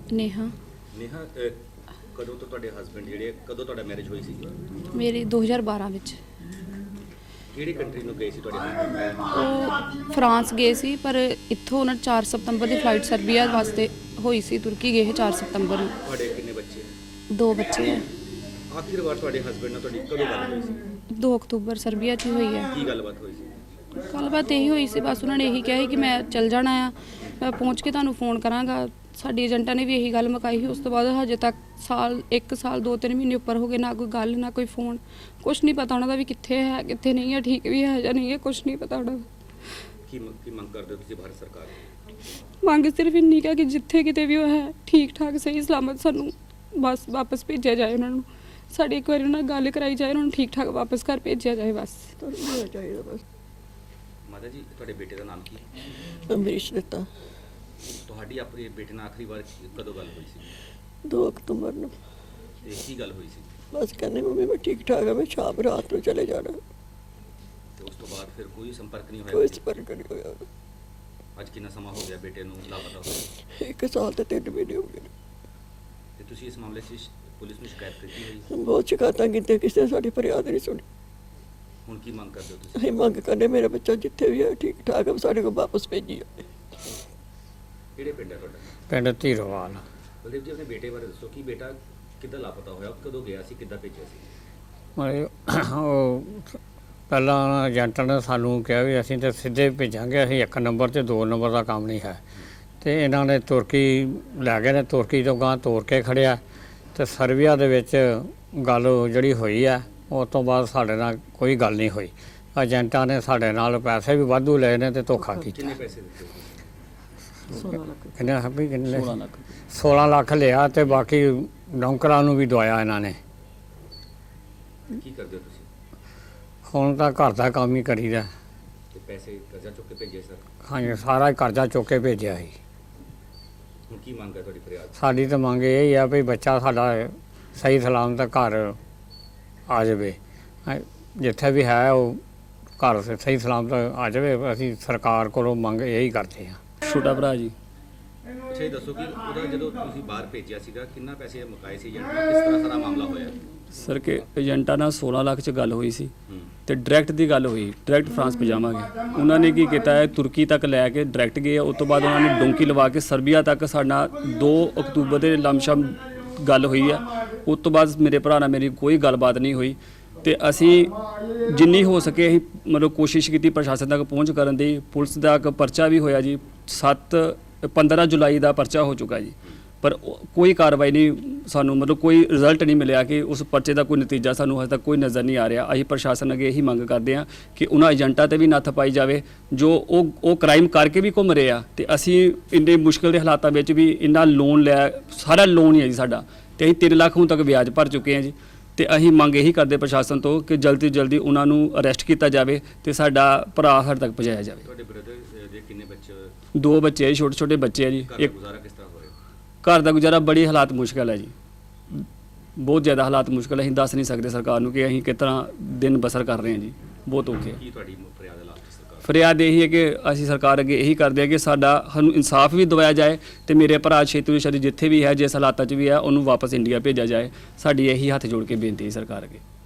ਨੇਹਾ। ਨੇਹਾ ਕਦੋਂ ਤੋਂ ਤੁਹਾਡੇ ਹਸਬੰਡ ਜਿਹੜੇ ਕਦੋਂ ਤੁਹਾਡਾ ਮੈਰਿਜ ਹੋਈ ਸੀ? ਮੇਰੀ 2012 ਵਿੱਚ। ਕਿਹੜੀ ਕੰਟਰੀ ਨੂੰ ਗਏ ਸੀ ਤੁਹਾਡੇ husband? ਉਹ ਫਰਾਂਸ ਗਏ ਸੀ, ਪਰ ਇੱਥੋਂ ਉਹਨਾਂ 4 ਸਤੰਬਰ ਦੀ ਫਲਾਈਟ ਸਰਬੀਆ ਵਾਸਤੇ ਹੋਈ ਸੀ। ਤੁਰਕੀ ਗਏ 4 ਸਤੰਬਰ ਨੂੰ। ਤੁਹਾਡੇ ਕਿੰਨੇ ਬੱਚੇ? 2 ਬੱਚੇ ਹੈ। ਆਖਿਰ ਵਾਰ ਤੁਹਾਡੇ ਹਸਬੰਡ ਨਾਲ ਤੁਹਾਡੀ ਕਦੋਂ ਗੱਲ ਹੋਈ ਸੀ? 2 ਅਕਤੂਬਰ ਸਰਬੀਆ 'ਚ ਹੀ ਹੋਈ ਹੈ। ਕੀ ਗੱਲਬਾਤ ਹੋਈ ਸੀ? ਗੱਲਬਾਤ ਇਹੀ ਹੋਈ ਸੀ, ਬਸ ਉਹਨਾਂ ਨੇ ਇਹੀ ਕਿਹਾ ਸੀ ਕਿ ਮੈਂ ਚੱਲ ਜਾਣਾ ਆ, ਮੈਂ ਪਹੁੰਚ ਕੇ ਤੁਹਾਨੂੰ ਫੋਨ ਕਰਾਂਗਾ। ਸਾਡੀ ਏਜੰਟਾਂ ਨੇ ਵੀ ਇਹੀ ਗੱਲ ਮੁਕਾਈ ਸੀ। ਉਸ ਤੋਂ ਬਾਅਦ ਹਜੇ ਤੱਕ 1 ਸਾਲ 2-3 ਮਹੀਨੇ ਉੱਪਰ ਹੋ ਗਏ, ਨਾ ਕੋਈ ਗੱਲ ਨਾ ਕੋਈ ਫੋਨ, ਕੁਛ ਨਹੀਂ ਪਤਾ ਉਹਨਾਂ ਦਾ ਵੀ ਕਿੱਥੇ ਹੈ ਕਿੱਥੇ ਨਹੀਂ ਹੈ, ਠੀਕ ਵੀ ਹੈ ਜਾਂ ਨਹੀਂ ਹੈ, ਕੁਛ ਨਹੀਂ ਪਤਾ ਉਹਨਾਂ ਦਾ। ਕੀ ਮੰਗ ਕਰਦੇ ਹੋ ਤੁਸੀਂ ਭਾਰਤ ਸਰਕਾਰ ਤੋਂ? ਮੰਗ ਸਿਰਫ ਇੰਨੀ ਕਿ ਜਿੱਥੇ ਕਿਤੇ ਵੀ ਉਹ ਹੈ ਠੀਕ ਠਾਕ ਸਹੀ ਸਲਾਮਤ ਸਾਨੂੰ ਬਸ ਵਾਪਸ ਭੇਜਿਆ ਜਾਏ। ਉਹਨਾਂ ਨੂੰ ਸਾਡੀ ਇੱਕ ਵਾਰੀ ਉਹਨਾਂ ਨਾਲ ਗੱਲ ਕਰਾਈ ਜਾਏ, ਉਹਨਾਂ ਨੂੰ ਠੀਕ ਠਾਕ ਵਾਪਸ ਘਰ ਭੇਜਿਆ ਜਾਏ ਬਸ। ਚਾਹੀਦਾ ਬਸ। ਮਾਤਾ ਜੀ, ਤੁਹਾਡੇ ਬੇਟੇ ਦਾ ਨਾਮ ਕੀ? ਅੰਮ੍ਰਿਤ ਦਿੱਤਾ। ਤੁਹਾਡੀ ਆਪਣੇ ਬੇਟੇ ਨਾਲ ਆਖਰੀ ਵਾਰ ਕਦੋਂ ਗੱਲ ਹੋਈ ਸੀ? 2 ਅਕਤੂਬਰ ਨੂੰ। ਤੇ ਕੀ ਗੱਲ ਹੋਈ ਸੀ? ਬਸ ਕਹਿੰਦੇ ਮੰਮੀ ਮੈਂ ਠੀਕ ਠਾਕ ਹਾਂ, ਮੈਂ ਸ਼ਾਮ ਰਾਤ ਨੂੰ ਚਲੇ ਜਾਣਾ। ਤੇ ਉਸ ਤੋਂ ਬਾਅਦ ਫਿਰ ਕੋਈ ਸੰਪਰਕ ਨਹੀਂ ਹੋਇਆ? ਕੋਈ ਸੰਪਰਕ ਨਹੀਂ ਹੋਇਆ। ਅੱਜ ਕਿੰਨਾ ਸਮਾਂ ਹੋ ਗਿਆ ਬੇਟੇ ਨੂੰ ਲਾਪਤਾ ਹੋਏ? 1 ਸਾਲ ਤੇ 3 ਮਹੀਨੇ ਹੋ ਗਏ। ਤੇ ਤੁਸੀਂ ਇਸ ਮਾਮਲੇ 'ਚ ਪੁਲਿਸ ਨੂੰ ਸ਼ਿਕਾਇਤ ਕੀਤੀ ਹੋਈ? ਬਹੁਤ ਸ਼ਿਕਾਇਤਾਂ ਕੀਤੀਆਂ, ਕਿਸੇ ਨੇ ਸਾਡੀ ਫਰਿਆਦ ਨਹੀਂ ਸੁਣੀ। ਹੁਣ ਕੀ ਮੰਗ ਕਰਦੇ ਹੋ ਤੁਸੀਂ? ਅਸੀਂ ਮੰਗ ਕਰਨੇ ਮੇਰਾ ਬੱਚਾ ਜਿੱਥੇ ਵੀ ਹੈ ਠੀਕ ਠਾਕ ਹੈ, ਸਾਡੇ ਕੋਲ ਵਾਪਸ ਭੇਜੀ ਜਾਵੇ। ਕਿਹੜੇ ਪਿੰਡ ਹੈ ਤੁਹਾਡਾ? ਪਿੰਡ ਧੀਰੋਵਾਲ। ਬਲਦੇਵ ਜੀ, ਆਪਣੇ ਬੇਟੇ ਬਾਰੇ ਦੱਸੋ ਕਿ ਬੇਟਾ ਕਿੱਦਾਂ ਲਾਪਤਾ ਹੋਇਆ, ਕਦੋਂ ਗਿਆ ਸੀ, ਕਿੱਦਾਂ ਭੇਜਿਆ ਸੀ? ਉਹ ਪਹਿਲਾਂ ਏਜੰਟ ਨੇ ਸਾਨੂੰ ਕਿਹਾ ਵੀ ਅਸੀਂ ਤਾਂ ਸਿੱਧੇ ਭੇਜਾਂਗੇ, ਅਸੀਂ 1 ਨੰਬਰ ਤੇ 2 ਨੰਬਰ ਦਾ ਕੰਮ ਨਹੀਂ ਹੈ। ਤੇ ਇਹਨਾਂ ਨੇ ਤੁਰਕੀ ਲੈ ਗਏ ਨੇ, ਤੁਰਕੀ ਤੋਂ ਗਾਂ ਤੋਰ ਕੇ ਖੜਿਆ। ਤੇ ਸਰਬੀਆ ਦੇ ਵਿੱਚ ਗੱਲ ਜਿਹੜੀ ਹੋਈ ਹੈ, ਉਸ ਤੋਂ ਬਾਅਦ ਸਾਡੇ ਨਾਲ ਕੋਈ ਗੱਲ ਨਹੀਂ ਹੋਈ। ਏਜੰਟਾਂ ਨੇ ਸਾਡੇ ਨਾਲ ਪੈਸੇ ਵੀ ਵਾਧੂ ਲਏ ਨੇ ਤੇ ਧੋਖਾ ਕੀਤਾ। ਕਿੰਨੇ ਪੈਸੇ ਦਿੱਤੇ? 16 ਲੱਖ। ਕਿੰਨੇ 16 ਲੱਖ ਲਿਆ ਤੇ ਬਾਕੀ ਨੌਕਰਾਂ ਨੂੰ ਵੀ ਦਵਾਇਆ ਇਹਨਾਂ ਨੇ। ਕੀ ਕਰਦੇ ਹੋ ਤੁਸੀਂ? ਹੁਣ ਤਾਂ ਘਰ ਦਾ ਕੰਮ ਹੀ ਕਰੀਦਾ। ਤੇ ਪੈਸੇ ਕਰਜ਼ਾ ਚੁੱਕ ਕੇ ਭੇਜੇ ਸਰ? ਹਾਂਜੀ, ਸਾਰਾ ਹੀ ਕਰਜ਼ਾ ਚੁੱਕ ਕੇ ਭੇਜਿਆ ਸੀ। ਹੁਣ ਕੀ ਮੰਗ ਹੈ ਤੁਹਾਡੀ ਫਰਿਆਦ? ਸਾਡੀ ਤਾਂ ਮੰਗ ਇਹ ਹੀ ਆ ਵੀ ਬੱਚਾ ਸਾਡਾ ਸਹੀ ਸਲਾਮਤ ਘਰ ਆ ਜਾਵੇ। ਜਿੱਥੇ ਵੀ ਹੈ ਉਹ ਘਰ ਸਹੀ ਸਲਾਮਤ ਆ ਜਾਵੇ। ਅਸੀਂ ਸਰਕਾਰ ਕੋਲੋਂ ਮੰਗ ਇਹੀ ਕਰਦੇ ਹਾਂ। ਛੋਟਾ ਭਰਾ ਜੀ। ਅੱਛਾ, ਇਹ ਦੱਸੋ ਕਿ ਉਹਦਾ ਜਦੋਂ ਤੁਸੀਂ ਬਾਹਰ ਭੇਜਿਆ ਸੀਗਾ ਕਿੰਨਾ ਪੈਸੇ ਮੁਕਾਏ ਸੀ ਏਜੰਟ ਨਾਲ, ਕਿਸ ਤਰ੍ਹਾਂ ਸਾਰਾ ਮਾਮਲਾ ਹੋਇਆ? ਸਰ ਕਿ ਏਜੰਟਾਂ ਨਾਲ 16 ਲੱਖ 'ਚ ਗੱਲ ਹੋਈ ਸੀ ਤੇ ਡਾਇਰੈਕਟ ਦੀ ਗੱਲ ਹੋਈ, ਡਾਇਰੈਕਟ ਫਰਾਂਸ ਭਜਾਵਾਂਗੇ। ਉਹਨਾਂ ਨੇ ਕੀ ਕੀਤਾ ਹੈ, ਤੁਰਕੀ ਤੱਕ ਲੈ ਕੇ ਡਾਇਰੈਕਟ ਗਏ। ਉਸ ਤੋਂ ਬਾਅਦ ਉਹਨਾਂ ਨੇ ਡੋਂਕੀ ਲਵਾ ਕੇ ਸਰਬੀਆ ਤੱਕ ਸਾਡਾ 2 ਅਕਤੂਬਰ ਦੇ ਲਮਸ਼ਮ ਗੱਲ ਹੋਈ ਆ। ਉਸ ਤੋਂ ਬਾਅਦ ਮੇਰੇ ਭਰਾ ਨਾਲ ਮੇਰੀ ਕੋਈ ਗੱਲਬਾਤ ਨਹੀਂ ਹੋਈ ਤੇ ਅਸੀਂ ਜਿੰਨੀ ਹੋ ਸਕੇ ਅਸੀਂ ਮਤਲਬ ਕੋਸ਼ਿਸ਼ ਕੀਤੀ ਪ੍ਰਸ਼ਾਸਨ ਤੱਕ ਪਹੁੰਚ ਕਰਨ ਦੀ। ਪੁਲਿਸ ਦਾ ਇੱਕ ਪਰਚਾ ਵੀ ਹੋਇਆ ਜੀ, 15 ਜੁਲਾਈ ਦਾ ਪਰਚਾ ਹੋ ਚੁੱਕਾ ਜੀ, ਪਰ ਕੋਈ ਕਾਰਵਾਈ ਨਹੀਂ, ਸਾਨੂੰ ਮਤਲਬ ਕੋਈ ਰਿਜ਼ਲਟ ਨਹੀਂ ਮਿਲਿਆ ਕਿ ਉਸ ਪਰਚੇ ਦਾ ਕੋਈ ਨਤੀਜਾ ਸਾਨੂੰ ਹਜੇ ਤੱਕ ਕੋਈ ਨਜ਼ਰ ਨਹੀਂ ਆ ਰਿਹਾ। ਅਸੀਂ ਪ੍ਰਸ਼ਾਸਨ ਅੱਗੇ ਇਹੀ ਮੰਗ ਕਰਦੇ ਹਾਂ ਕਿ ਉਹਨਾਂ ਏਜੰਟਾਂ ਤੇ ਵੀ ਨੱਥ ਪਾਈ ਜਾਵੇ ਜੋ ਉਹ ਕ੍ਰਾਈਮ ਕਰਕੇ ਵੀ ਘੁੰਮ ਰਹੇ ਆ। ਤੇ ਅਸੀਂ ਇੰਨੇ ਮੁਸ਼ਕਿਲ ਦੇ ਹਾਲਾਤਾਂ ਵਿੱਚ ਵੀ ਇੰਨਾ ਲੋਨ ਲਿਆ, ਸਾਰਾ ਲੋਨ ਹੀ ਹੈ ਜੀ ਸਾਡਾ, ਤੇ ਅਸੀਂ 3 ਲੱਖ ਹੁਣ ਤੱਕ ਵਿਆਜ ਭਰ ਚੁੱਕੇ ਹਾਂ ਜੀ। ਤੇ ਅਸੀਂ ਮੰਗ ਇਹੀ ਕਰਦੇ ਪ੍ਰਸ਼ਾਸਨ ਤੋਂ ਕਿ ਜਲਦੀ ਤੋਂ ਜਲਦੀ ਉਹਨਾਂ ਨੂੰ ਅਰੈਸਟ ਕੀਤਾ ਜਾਵੇ ਤੇ ਸਾਡਾ ਭਰਾ ਸਾਡੇ ਤੱਕ ਪਹੁੰਚਾਇਆ ਜਾਵੇ। ਤੁਹਾਡੇ ਬ੍ਰਦਰ ਦੇ ਕਿੰਨੇ ਬੱਚੇ? 2 ਬੱਚੇ ਆ ਜੀ, ਛੋਟੇ ਛੋਟੇ ਬੱਚੇ ਆ ਜੀ। ਘਰ ਦਾ ਗੁਜ਼ਾਰਾ ਕਿਸ ਤਰ੍ਹਾਂ ਹੋ ਰਿਹਾ? ਘਰ ਦਾ ਗੁਜ਼ਾਰਾ ਬੜੀ ਹਾਲਾਤ ਮੁਸ਼ਕਲ ਹੈ ਜੀ, ਬਹੁਤ ਜ਼ਿਆਦਾ ਹਾਲਾਤ ਮੁਸ਼ਕਲ ਹੈ। ਅਸੀਂ ਦੱਸ ਨਹੀਂ ਸਕਦੇ ਸਰਕਾਰ ਨੂੰ ਕਿ ਅਸੀਂ ਕਿਸ ਤਰ੍ਹਾਂ ਦਿਨ ਬਸਰ ਕਰ ਰਹੇ ਹਾਂ ਜੀ, ਬਹੁਤ ਔਖੇ। ਕੀ ਤੁਹਾਡੀ ਫਰਿਆਦ ਹੈ ਲਾਸਟ ਸਰਕਾਰ? ਫਰਿਆਦ ਇਹੀ ਹੈ ਕਿ ਅਸੀਂ ਸਰਕਾਰ ਅੱਗੇ ਇਹੀ ਕਰਦੇ ਹਾਂ ਕਿ ਸਾਨੂੰ ਇਨਸਾਫ ਵੀ ਦਿਵਾਇਆ ਜਾਏ ਤੇ ਮੇਰੇ ਭਰਾ ਛੇਤੀ ਤੋਂ ਛੇਤੀ ਜਿੱਥੇ ਵੀ ਹੈ, ਜਿਸ ਹਾਲਾਤਾਂ 'ਚ ਵੀ ਹੈ, ਉਹਨੂੰ ਵਾਪਸ ਇੰਡੀਆ ਭੇਜਿਆ ਜਾਏ। ਸਾਡੀ ਇਹੀ ਹੱਥ ਜੋੜ ਕੇ ਬੇਨਤੀ ਹੈ ਸਰਕਾਰ ਅੱਗੇ।